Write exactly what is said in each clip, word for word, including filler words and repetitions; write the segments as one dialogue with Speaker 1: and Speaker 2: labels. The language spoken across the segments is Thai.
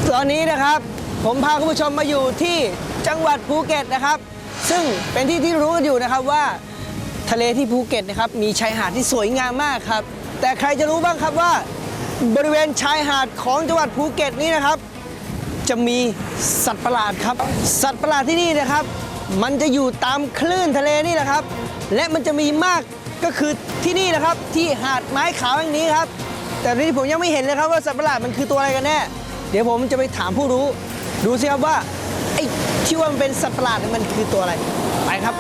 Speaker 1: ตอนนี้นะครับผมพาคุณผู้ชมมาอยู่ที่จังหวัดภูเก็ตนะครับ ซึ่งเป็นที่ที่รู้กันอยู่นะครับว่าทะเลที่ภูเก็ตนะครับมีชายหาดที่สวยงามมากครับแต่ใครจะรู้บ้างครับว่าบริเวณชายหาดของจังหวัดภูเก็ตนี้นะครับจะมีสัตว์ประหลาดครับสัตว์ประหลาดที่นี่นะครับมันจะอยู่ตามคลื่นทะเลนี่แหละครับและมันจะมีมากก็คือที่นี่นะครับที่หาดไม้ขาวแห่งนี้ครับแต่ที่ผมยังไม่เห็นเลยครับว่าสัตว์ประหลาดมันคือตัวอะไรกันแน่เดี๋ยวผมจะไปถามผู้รู้ดูสิครับว่าไอ้ที่ว่ามันเป็นสัตว์ประหลาดมันคือตัวอะไรไปครับ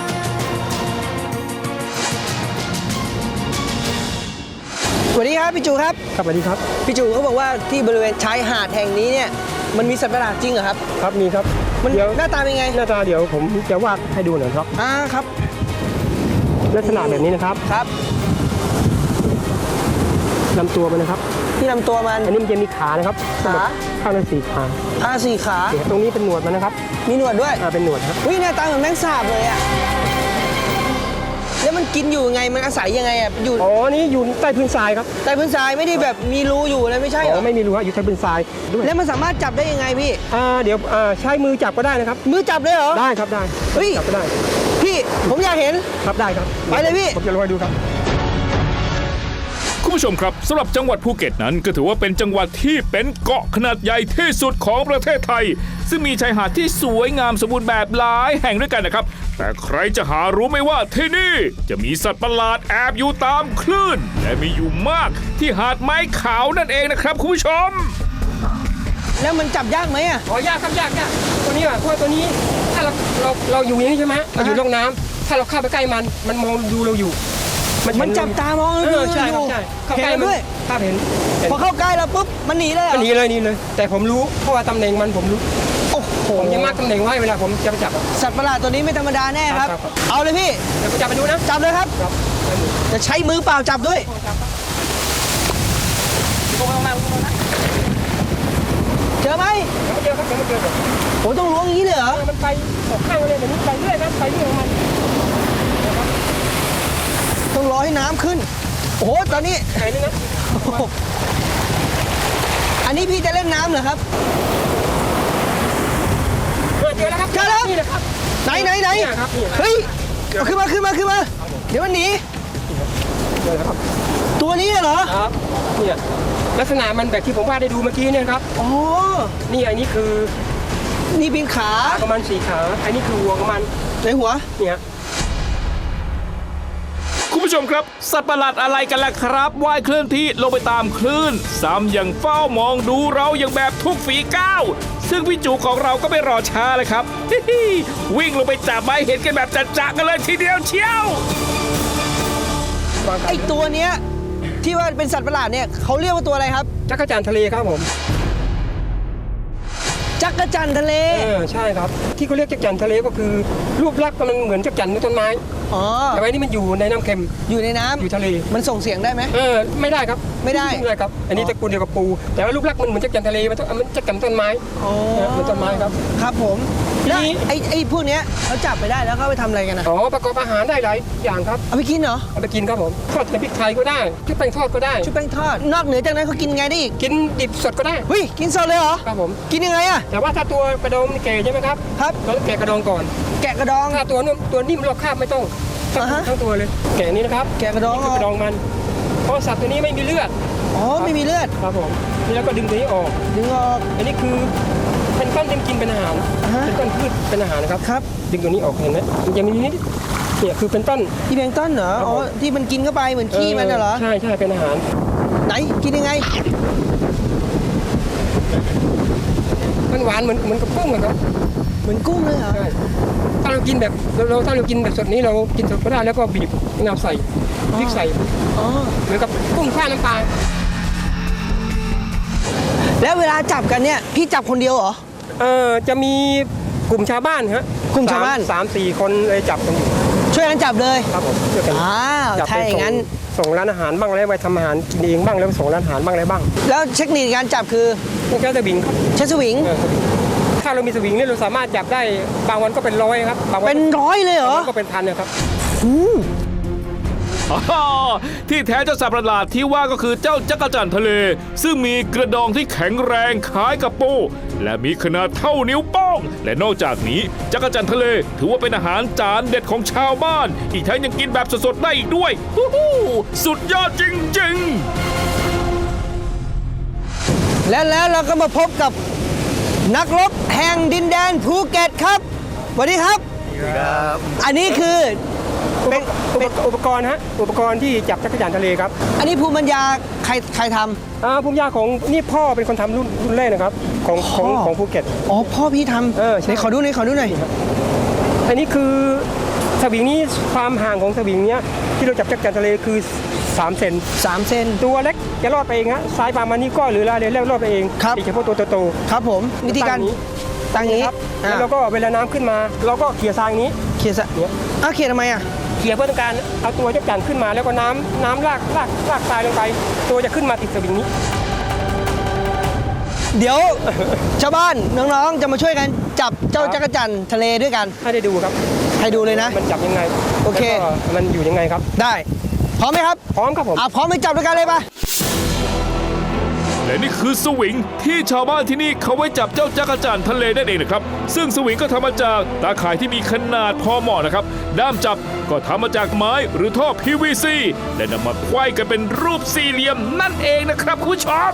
Speaker 1: สวัสดีครับพี่จูครับ
Speaker 2: ครับสวัสดีครับ
Speaker 1: พี่จูเขาบอกว่าที่บริเวณชายหาดแห่งนี้เนี่ยมันมีสัตว์ประหลาดจริงเหรอครับ
Speaker 2: ครับมีครับ
Speaker 1: มันหน้าตาเป็นไง
Speaker 2: หน้าตาเดี๋ยวผมจะวาดให้ดูหน่อยครับ
Speaker 1: อ่าครับ
Speaker 2: ลักษณะแบบนี้นะครับ
Speaker 1: ครับ
Speaker 2: ลำตัวมันนะครับ
Speaker 1: ที่ลำตัวมัน
Speaker 2: อันนี้มันจะมีขานะครับ
Speaker 1: ขา
Speaker 2: ข้างละสี่ขา
Speaker 1: อ่าสี่ขา
Speaker 2: ตรงนี้เป็นหนวดมันนะครับ
Speaker 1: มีหนวดด้วย
Speaker 2: อ่าเป็นหนวดครับ
Speaker 1: วิหน้าตาเหมือนแมงสาบเลยอะแล้วมันกินอยู่ไงมันอาศัยยังไงอะอยู่
Speaker 2: อ๋อนี่อยู่ใต้พื้นทรายครับ
Speaker 1: ใต้พื้นทรายไม่ได้แบบมีรูอยู่เลยไม่ใช่เหรอ
Speaker 2: ไม่มีรูอยู่ใต้พื้นทรายด้วย
Speaker 1: แล้วมันสามารถจับได้ยังไงพี่
Speaker 2: อ่าเดี๋ยวอ่าใช้มือจับก็ได้นะครับ
Speaker 1: มือจับเลยเหรอ
Speaker 2: ได้ครับได้
Speaker 1: เฮ้ย
Speaker 2: จับก็ได้
Speaker 1: พี่ผมอยากเห็น
Speaker 2: ครับได้ครับ
Speaker 1: ไปเลยพี่
Speaker 2: ผมจะลองให้ดูครับ
Speaker 3: คุณผู้ชมครับสำหรับจังหวัดภูเก็ตนั้นก็ถือว่าเป็นจังหวัดที่เป็นเกาะขนาดใหญ่ที่สุดของประเทศไทยซึ่งมีชายหาดที่สวยงามสมบูรณ์แบบหลายแห่งด้วยกันนะครับแต่ใครจะหารู้ไหมว่าที่นี่จะมีสัตว์ประหลาดแอบอยู่ตามคลื่นและมีอยู่มากที่หาดไม้ขาวนั่นเองนะครับคุณผู้ชม
Speaker 1: แล้วมันจับยากไหมอ่ะ
Speaker 2: อ๋อยากครับยากยากตัวนี้อ่ะเพราะตัวนี้ถ้าเราเราเราอยู่อย่างนี้ใช่ไหมเราอยู่ร่องน้ำถ้าเราเข้าไปใกล้มันมันมองดูเราอยู่
Speaker 1: มันจับตามอง
Speaker 2: เออใช่ครับใช่เข้าใกล้
Speaker 1: ด้วย
Speaker 2: ภาพเห็น
Speaker 1: พอเข้าใกล้แล้วปุ๊บมันหนีเลย
Speaker 2: หนีเลยหนีเลยแต่ผมรู้เพราะว่าตำแหน่งมันผมรู้
Speaker 1: โอ้โห
Speaker 2: ผมจะมาร์กตำแหน่งไว้เวลาผมจะไปจับ
Speaker 1: สัตว์ประหลาดตัวนี้ไม่ธรรมดาแน่ครับเอาเลยพี่
Speaker 2: เดี๋ยวผมจับไปดูนะ
Speaker 1: จับเลยครับจะใช้มือเปล่าจับด้วยเจอไหม
Speaker 2: ไม่เจอครับไม่เจอ
Speaker 1: ผมต้องล้วงอย่างนี้เลยเหรอ
Speaker 2: มันไปออกข้างเลยแบบนี้ไปเรื่อยครับไปเรื่อยของมัน
Speaker 1: ต้องรอให้น้ำขึ้นโอ้โหตอนนี้
Speaker 2: ไหนนี่นะ
Speaker 1: อันนี้พี่จะเล่นน้ำเหรอครับ
Speaker 2: เจอแล้วครับ
Speaker 1: เจอแล้ว
Speaker 2: นี่แหละครับ
Speaker 1: ไหนไหนไหนเฮ้ยขึ้นมาขึ้นมาขึ้นมาเดี๋ยวมันหนี
Speaker 2: เจอแล้วครับ
Speaker 1: ตัวนี้เหรอ
Speaker 2: ครับเนี่ยลักษณะมันแบบที่ผมวาดได้ดูเมื่อกี้เนี่ยครับ
Speaker 1: อ๋อ
Speaker 2: นี่อันนี้คือ
Speaker 1: นี่เป็นขา
Speaker 2: ประมาณสี่ขาอันนี้คือหัวของมัน
Speaker 1: ในหัว
Speaker 2: เนี่ย
Speaker 3: คุณผู้ชมครับสัตว์ประหลาดอะไรกันล่ะครับว่ายเคลื่อนที่ลงไปตามคลื่นซ้ำยังเฝ้ามองดูเราอย่างแบบทุกฝีก้าวซึ่งพี่จูของเราก็ไม่รอช้าเลยครับ วิ่งลงไปจับไม้เห็นกันแบบจัดๆกันเลยทีเดียวเชียว
Speaker 1: ไอตัวเนี้ยที่ว่าเป็นสัตว์ประหลาดเนี่ยเขาเรียกว่าตัวอะไรครับ
Speaker 2: จักรจั่นทะเลครับผม
Speaker 1: จักรจั่นทะเล
Speaker 2: เออใช่ครับที่เขาเรียกจักรจั่นทะเลก็คือรูปลักษณ์มันเหมือนจักรจั่นในต้นไม้
Speaker 1: อ๋อ
Speaker 2: แต่ว่านี่มันอยู่ในน้ำเค็ม
Speaker 1: อยู่ในน้ำ
Speaker 2: อยู่ทะเล
Speaker 1: มันส่งเสียงได้ไหม
Speaker 2: เออไม่ได้ครับ
Speaker 1: ไม่ได้
Speaker 2: ไม่ได้ครับอันนี้ตระกูลเดียวกับปูแต่ว่ารูปลักษณ์มันเหมือนจักรจั่นทะเลมันมันจักรจั่นต้นไม้
Speaker 1: อ๋อ
Speaker 2: เหมือนต้นไม้ครับ
Speaker 1: ครับผมแล้วไอ้ไอ้พวกเนี้ยเขาจับไปได้แล้วเขาไปทำอะไรกันนะ
Speaker 2: อ๋อประกอบอาหารได้หลายอย่างครับ
Speaker 1: เอาไปกินเหรอ
Speaker 2: เอาไปกินครับผมทอดในพริกไทยก็ได้ชุบแป้งทอดก็ได้
Speaker 1: ชุบแป้งทอดนอกเหนือจากนั้นเขากินไงได้อีก
Speaker 2: กินดิบสดก็ได้
Speaker 1: เฮ้ยกินสดเลยเหรอ
Speaker 2: ครับผม
Speaker 1: กินยังไงอะ
Speaker 2: แต่ว่าถ้าตัวกระดองแก่ใช่ไหมครับ
Speaker 1: ครับ
Speaker 2: เราแกะกระดองก่อน
Speaker 1: แกะกระดอง
Speaker 2: ถ้าตัวนุ่มตัวนิ่มเราคาบไม่ต้องทั้งตัวเลยแกะนี้นะครับ
Speaker 1: แกะกระดอง
Speaker 2: กระดองมันเพราะสัตว์ตัวนี้ไม่มีเลือด
Speaker 1: อ๋อไม่มีเลือด
Speaker 2: ครับผมนี่แล้วก็ดึงตัวนี้ออก
Speaker 1: ดึงออก
Speaker 2: อันนี้คือเป็นก้อนที่กินเป็นอาหารเป็นก้อนพืชเป็นอาหารนะครับ
Speaker 1: ครับ
Speaker 2: ดึงตัวนี้ออกเห็นไหมมันจะมีนิดเนี่ยคือเป็นต้น
Speaker 1: ที่เป็นต้นเหรออ๋อที่มันกินเข้าไปเหมือนขี้มันเหรอ
Speaker 2: ใช่ใช่เป็นอาหาร
Speaker 1: ไหนกินยังไง
Speaker 2: มันหวานเหมือนเหมือนกับกุ้งครับ
Speaker 1: เหมือนกุ้งเลยเหรอ
Speaker 2: ถ้าเรากินแบบเราถ้าเรากินแบบสดนี้เรากินสดก็ได้แล้วก็บีบมะนาวใส่พริกใส่
Speaker 1: อ๋อ
Speaker 2: เหมือนกับกุ้งข้าวน้ำปลา
Speaker 1: แล้วเวลาจับกันเนี่ยพี่จับคนเดียวเหรอ
Speaker 2: เออจะมีกลุ่มชาวบ้านฮะ
Speaker 1: กลุ่มชาวบ้าน
Speaker 2: สามสี่คนเลยจับกันอยู่
Speaker 1: ช่วยกันจับเลย
Speaker 2: ครับผมช่วยกัน
Speaker 1: อ้าวถ้าอย่างนั้น
Speaker 2: ส่งร้านอาหารบ้างแล้วไปทำอาหารกินเองบ้างแล้วส่งร้านอาหารบ้างอะไรบ้าง
Speaker 1: แล้วเทคนิคการจับคือ
Speaker 2: ใช้สวิงครับ
Speaker 1: ใช้สวิง
Speaker 2: ถ้าเรามีสวิงเนี่ยเราสามารถจับได้บางวันก็เป็นร้อยครับ
Speaker 1: เป็นร้อยเลยเหรอ
Speaker 2: ก็เป็นพันนะครับ
Speaker 3: อ๋อที่แท้เจ้าสัตว์ประหลาดที่ว่าก็คือเจ้าจักรจั่นทะเล ซึ่งมีกระดองที่แข็งแรงคล้ายกับปูและมีขนาดเท่านิ้วโป้งและนอกจากนี้จักรจั่นทะเลถือว่าเป็นอาหารจานเด็ดของชาวบ้าน อีกทั้งยังกินแบบสดๆได้อีกด้วยฮู้ฮู้สุดยอดจริงๆ
Speaker 1: และแล้วเราก็มาพบกับนักรบแห่งดินแดนภูเก็ตครับสวัสดีครับ อันนี้คือ
Speaker 2: อุป
Speaker 1: เป็น
Speaker 2: อุป
Speaker 1: เป็น
Speaker 2: อุปกรณ์ฮะอุปกรณ์ที่จับจักรจั่นทะเลครับ
Speaker 1: อันนี้ภูมิปัญญาใครใครทำ
Speaker 2: อ่าภูมิยาของนี่พ่อเป็นคนทำรุ่นรุ่นแรกนะครับของของ
Speaker 1: พ่อ
Speaker 2: ของภูเก็ต
Speaker 1: อ๋อพ่อพี่ทำ
Speaker 2: เออใช่
Speaker 1: ไหนขอดูหน่อยขอดูหน่อย
Speaker 2: อันนี้คือสวิงนี้ความห่างของสวิงเนี้ยที่เราจับจักรจั่นทะเลคือสามเซน
Speaker 1: สามเซน
Speaker 2: ตัวเล็กจะรอดไปเองฮะซ้ายประมาณนี้ก้อยหรือลายเลยแล้วรอดไปเอง
Speaker 1: ครับ
Speaker 2: โดยเฉพาะตัวโต
Speaker 1: ครับผมวิธีการ
Speaker 2: ๆ
Speaker 1: ตั้งนี้
Speaker 2: ครับ
Speaker 1: อ่า
Speaker 2: แล้วเราก็เวลาน้ำขึ้นมา เราก็เขี่ยทรายอย่างนี้
Speaker 1: เขียนซะ
Speaker 2: เนี่ย
Speaker 1: อ้าวเขียนทำไมอ่ะ
Speaker 2: เขี่ยเพื่อต้องการเอาตัวจักรจั่นขึ้นมา แล้วก็น้ำน้ำลากลากลากทรายลงไป ตัวจะขึ้นมาติดสวิงนี้
Speaker 1: เดี๋ยว ชาวบ้านน้องๆจะมาช่วยกันจับเจ้าจักรจั่นทะเลด้วยกัน
Speaker 2: ให้ได้ดูครับ
Speaker 1: ให้ดูเลยนะ
Speaker 2: มันจับยังไง
Speaker 1: โอเค
Speaker 2: แล้วก็มันอยู่ยังไงครับ
Speaker 1: ได้พร้อมไหมครับ
Speaker 2: พร้อมครับผม
Speaker 1: อ่ะพร้อมไปจับด้วยกันเลยปะ
Speaker 3: และนี่คือสวิงที่ชาวบ้านที่นี่เขาไว้จับเจ้าจักรจั่นทะเลนั่นเองนะครับ ซึ่งสวิงก็ทำมาจากตาข่ายที่มีขนาดพอเหมาะนะครับ ด้ามจับก็ทำมาจากไม้หรือท่อ พี วี ซี และนำมาไขว้กันเป็นรูปสี่เหลี่ยมนั่นเองนะครับคุณผู้ชม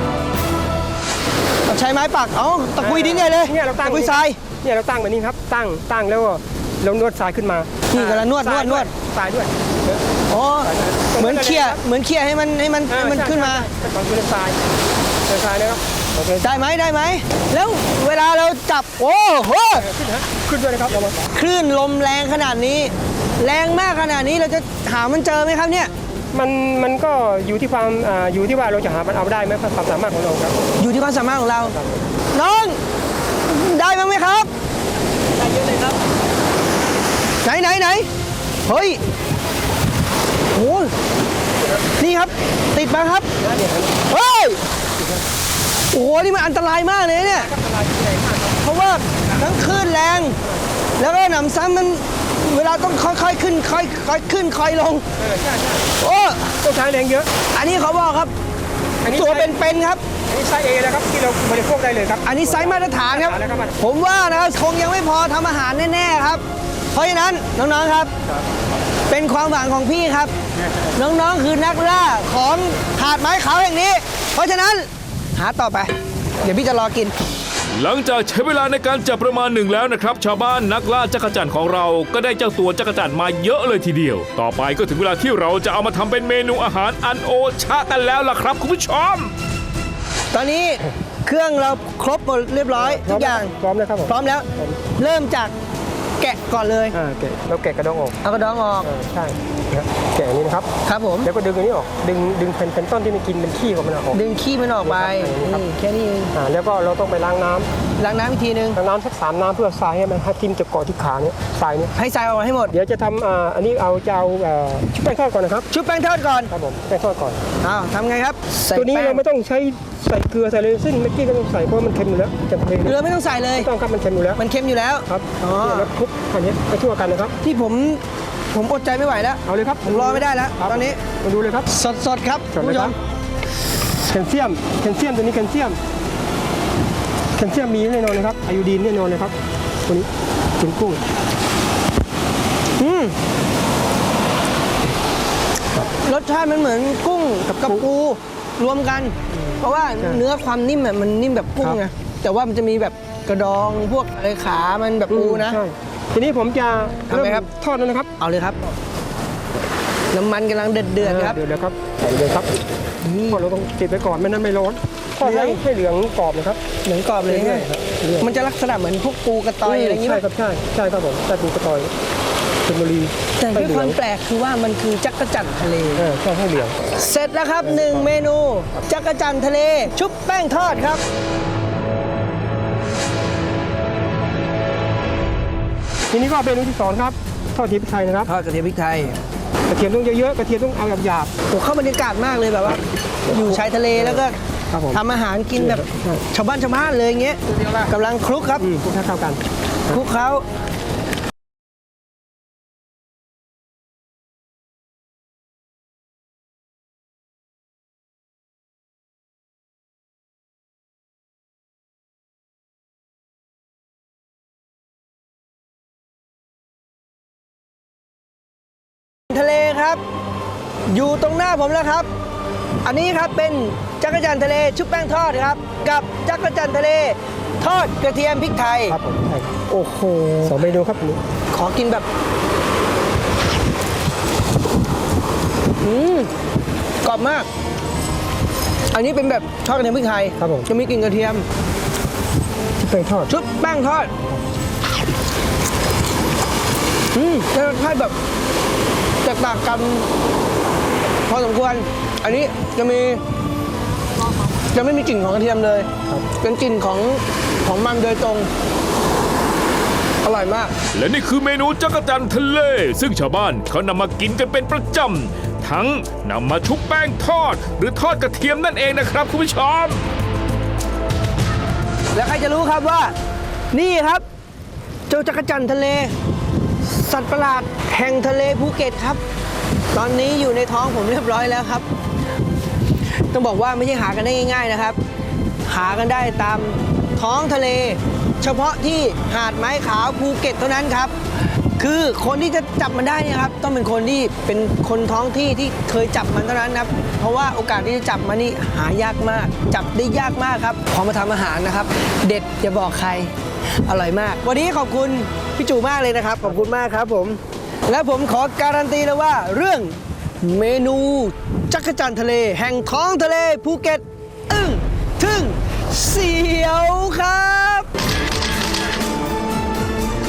Speaker 1: เอาใช้ไม้ปักเอาตะกุยดินใหญ่เลย
Speaker 2: เนี่ยเราตั้ง
Speaker 1: ตะกุยทราย
Speaker 2: เนี่ยเราตั้งแบบนี้ครับ ตั้งตั้งแล้วก็เรานวดทรายขึ้นมา
Speaker 1: นี่
Speaker 2: นี่
Speaker 1: กำลังนวดนวดนวด
Speaker 2: ทรายด้วย
Speaker 1: อ๋อเหมือนเขี่ยเหมือนเขี่ยให้มันให้มันให้มันขึ้นมา
Speaker 2: แต่ก่อนคือทรายเป็นทรายนะครับโอเค
Speaker 1: ได้ไหมได้ไหมแล้วเวลาเราจับโอ้โห
Speaker 2: ขึ้นฮะขึ้นด้วยนะครับเรามา
Speaker 1: คลื่นลมแรงขนาดนี้ แรงมากขนาดนี้เราจะหามันเจอไหมครับเนี่ย
Speaker 2: มันมันก็อยู่ที่ความอ่าอยู่ที่ว่าเราจะหามันเอาได้ไหมความสามารถของเราครับ
Speaker 1: อยู่ที่ความสามารถของเรา น้องได้บ้างไหมครับ
Speaker 2: ได้เยอะเลยครับ
Speaker 1: ไหนไหนไหนเฮ้ยโอ้ยนี่ครับ ติดมาครับเฮ้ยโอ้โหนี่มันอันตรายมากเลยเนี่ย เพราะว่าทั้งคลื่นแรง แล้วก็หนำซ้ำมันเวลาต้องค่อยๆขึ้นค่อยค่อยขึ้นค่อยลง
Speaker 2: เออใช่ใช่
Speaker 1: โอ้
Speaker 2: ต้องใช้แรงเยอะ
Speaker 1: อันนี้เขาบอกครับ
Speaker 2: อันนี้
Speaker 1: ตัว
Speaker 2: ใช้
Speaker 1: เป็นๆครับ
Speaker 2: อันนี้ใช้เอนะครับที่เราบริโภคได้เลยครับ
Speaker 1: อันนี้ไซส์มาตรฐานครับ
Speaker 2: มาตรฐานแล้วครับ
Speaker 1: ผมว่านะครับคงยังไม่พอทำอาหารแน่ๆครับ เพราะฉะนั้นน้องๆครับ เป็นความหวังของพี่ครับ น้องๆคือนักล่าของหาดไม้ขาวแห่งนี้ เพราะฉะนั้นหาต่อไป เดี๋ยวพี่จะรอกิน
Speaker 3: หลังจากใช้เวลาในการจับประมาณหนึ่งแล้วนะครับ ชาวบ้านนักล่าจักรจั่นของเราก็ได้เจ้าตัวจักรจั่นมาเยอะเลยทีเดียว ต่อไปก็ถึงเวลาที่เราจะเอามาทำเป็นเมนูอาหารอันโอชะกันแล้วล่ะครับคุณผู้ชม
Speaker 1: ตอนนี้เครื่องเราครบหมดเรียบร้อยทุกอย่าง
Speaker 2: พร้อมแล้วครับผม
Speaker 1: พร้อมแล้ว เริ่มจากแกะก่อนเลย
Speaker 2: อ่าแกะเราแกะกระดองออก
Speaker 1: เอากระดองออก
Speaker 2: อ่าใช่นะครับแกะอย่างนี้นะครับ
Speaker 1: ครับผม
Speaker 2: แล้วก็ดึงอันนี้ออก ดึงดึงแผ่นแผ่นต้นที่มันกินเป็นขี้ของมันออก
Speaker 1: ดึงขี้มันออกไป
Speaker 2: ครับ
Speaker 1: นี่แค่นี้เอง
Speaker 2: อ่าแล้วก็เราต้องไปล้างน้ำ
Speaker 1: ล้างน้ำอีกทีนึง
Speaker 2: ล้างน้ำสักสามน้ำเพื่อทรายให้มันให้ทิ่มจะเกาะที่ขาเนี่ยทรายเนี่ย
Speaker 1: ให้ทรายออกให้หมด
Speaker 2: เดี๋ยวจะทำอ่าอันนี้เอาจะเอาเอ่อชุบแป้งทอดก่อนนะครับ
Speaker 1: ชุบแป้งทอดก่อน
Speaker 2: ครับผมแป้งทอดก่อน
Speaker 1: อ้าวทำไงครับใส่
Speaker 2: ตัวนี้
Speaker 1: แป้ง
Speaker 2: เราไม่ต้องใช้ใส่เกลือใส่เลยซึ่งเมื่อกี้ก็ต้องใส่เพราะมันเค็มอยู่แล้วจะทะเล
Speaker 1: เกลือไม่ต้องใส่เลย
Speaker 2: ไม่ต้องครับมันเค็มอยู่แล้ว
Speaker 1: มันเค็มอยู่แล้ว
Speaker 2: ครับ
Speaker 1: อ๋อ
Speaker 2: เนี่ยแล้วคลุกอันนี้ไปทั่วกันนะครับ
Speaker 1: ที่ผมผมอดใจไม่ไหวแล้ว
Speaker 2: เอาเลยครับ
Speaker 1: ผมรอไม่ได้แล้ว
Speaker 2: ครับ
Speaker 1: ตอนนี้
Speaker 2: มาดูเลยครับ
Speaker 1: สดสดๆครับ
Speaker 2: สด
Speaker 1: คุณ
Speaker 2: เลย
Speaker 1: ผู้ช
Speaker 2: ครั
Speaker 1: ม
Speaker 2: บ แคลเซียมแคลเซียมตัวนี้แคลเซียมแคลเซียมมีแน่นอนนะครับไอโอดีนแน่นอนเลยครับตัวนี้ถึงกุ้ง
Speaker 1: อืมรสชาติมันเหมือนกุ้งกับกับปูรวมกัน เพราะว่าเนื้อความนิ่มอะมันนิ่มแบบกุ้งไงแต่ว่ามันจะมีแบบกระดองพวกอะไรขามันแบบปูนะ
Speaker 2: ใช่ทีนี้ผมจะ
Speaker 1: ทำไหมครับ
Speaker 2: ทอดแล้วนะครับ
Speaker 1: เอาเลยครับ น้ำมันกำลังเดือดเดือดๆครับ
Speaker 2: เดือดแล้วครับใส่เลยครับทอดเราต้องติดไว้ก่อนไม่นั้นไม่ร้อนทอดให้ให้เหลืองกรอบนะครับ
Speaker 1: เหมือนกรอบเลย
Speaker 2: เรื่
Speaker 1: เนี่
Speaker 2: อย
Speaker 1: ย
Speaker 2: ๆครับเรื่อยๆ
Speaker 1: มันจะลักษณะเหมือนพวกปูกระตอยอะไรอย่างงี้
Speaker 2: ใช่
Speaker 1: ป่ะ
Speaker 2: ครับใช่ใช่ครับผมใช่ปูกระตอยชลบุรี
Speaker 1: แต่ด้วย
Speaker 2: ให้เห
Speaker 1: ค
Speaker 2: ลื
Speaker 1: วา
Speaker 2: อง
Speaker 1: มแปลกคือว่ามันคือจักรจั่นทะเล
Speaker 2: เออใช่ให้เหลือง
Speaker 1: เสร็จแล้วครับหนึ่งเมนูจักรจั่นทะเล ชุบแป้งทอดครับ
Speaker 2: ทีนี้ก็เป็นเมนูที่สองครับทอดเทียมพริกไทยนะครับ
Speaker 1: ทอดกระเทียมพริกไทย
Speaker 2: กระเทียมต้องเยอะๆกระเทียมต้องเอาหยาบ
Speaker 1: โอ้เข้าบรรยากาศมากเลยแบบว่า อยู่ชายทะเลแล้วก็
Speaker 2: ครับผม
Speaker 1: ทำอาหารกินแบบ
Speaker 2: ใช่
Speaker 1: ชาวบ้านชาวบ้านเลยอย่างเงี้ยกำลังคลุกครับ
Speaker 2: ๆอืมคลุกให้เข้ากัน
Speaker 1: คลุกเขาทะเลครับ อยู่ตรงหน้าผมแล้วครับ อันนี้ครับเป็นจักรจั่นทะเลชุบแป้งทอดครับ กับจักรจั่นทะเลทอดกระเทียมพริกไทย
Speaker 2: ครับผมใช่ครับ
Speaker 1: โอ้โห
Speaker 2: สองเมนูครับอันนี้
Speaker 1: ขอกินแบบ อืมกรอบมาก อันนี้เป็นแบบทอดกระเทียมพริกไทย
Speaker 2: ครับผม
Speaker 1: จะมีกลิ่นกระเทียม
Speaker 2: ชุบแป้งทอด
Speaker 1: ชุบแป้งทอด อืมรสชาติแบบแตกต่างกันพอสมควร อันนี้จะมี จะไม่มีกลิ่นของกระเทียมเลย
Speaker 2: ครับ
Speaker 1: เป็นกลิ่นของของมันโดยตรง อร่อยมาก
Speaker 3: และนี่คือเมนูจักรจั่นทะเล ซึ่งชาวบ้านเขานำมากินกันเป็นประจำ ทั้งนำมาชุบแป้งทอด หรือทอดกระเทียมนั่นเองนะครับคุณผู้ชม
Speaker 1: แล้วใครจะรู้ครับว่า นี่ครับ เจ้าจักรจั่นทะเล สัตว์ประหลาดแห่งทะเลภูเก็ตครับ ตอนนี้อยู่ในท้องผมเรียบร้อยแล้วครับ ต้องบอกว่าไม่ใช่หากันได้ง่าย ๆนะครับ หากันได้ตามท้องทะเล เฉพาะที่หาดไม้ขาวภูเก็ตเท่านั้นครับ คือคนที่จะจับมันได้เนี่ยครับ ต้องเป็นคนที่เป็นคนท้องที่ที่เคยจับมันเท่านั้นครับ เพราะว่าโอกาสที่จะจับมันนี่หายากมาก จับได้ยากมากครับพอมาทำอาหารนะครับ เด็ดอย่าบอกใคร อร่อยมาก วันนี้ขอบคุณพี่จูมากเลยนะครับ ขอบคุณมากครับผม และผมขอการันตีเลยว่าเรื่องเมนูจักรจั่นทะเล แห่งท้องทะเลภูเก็ต อึ้งทึ่งเสียวครับ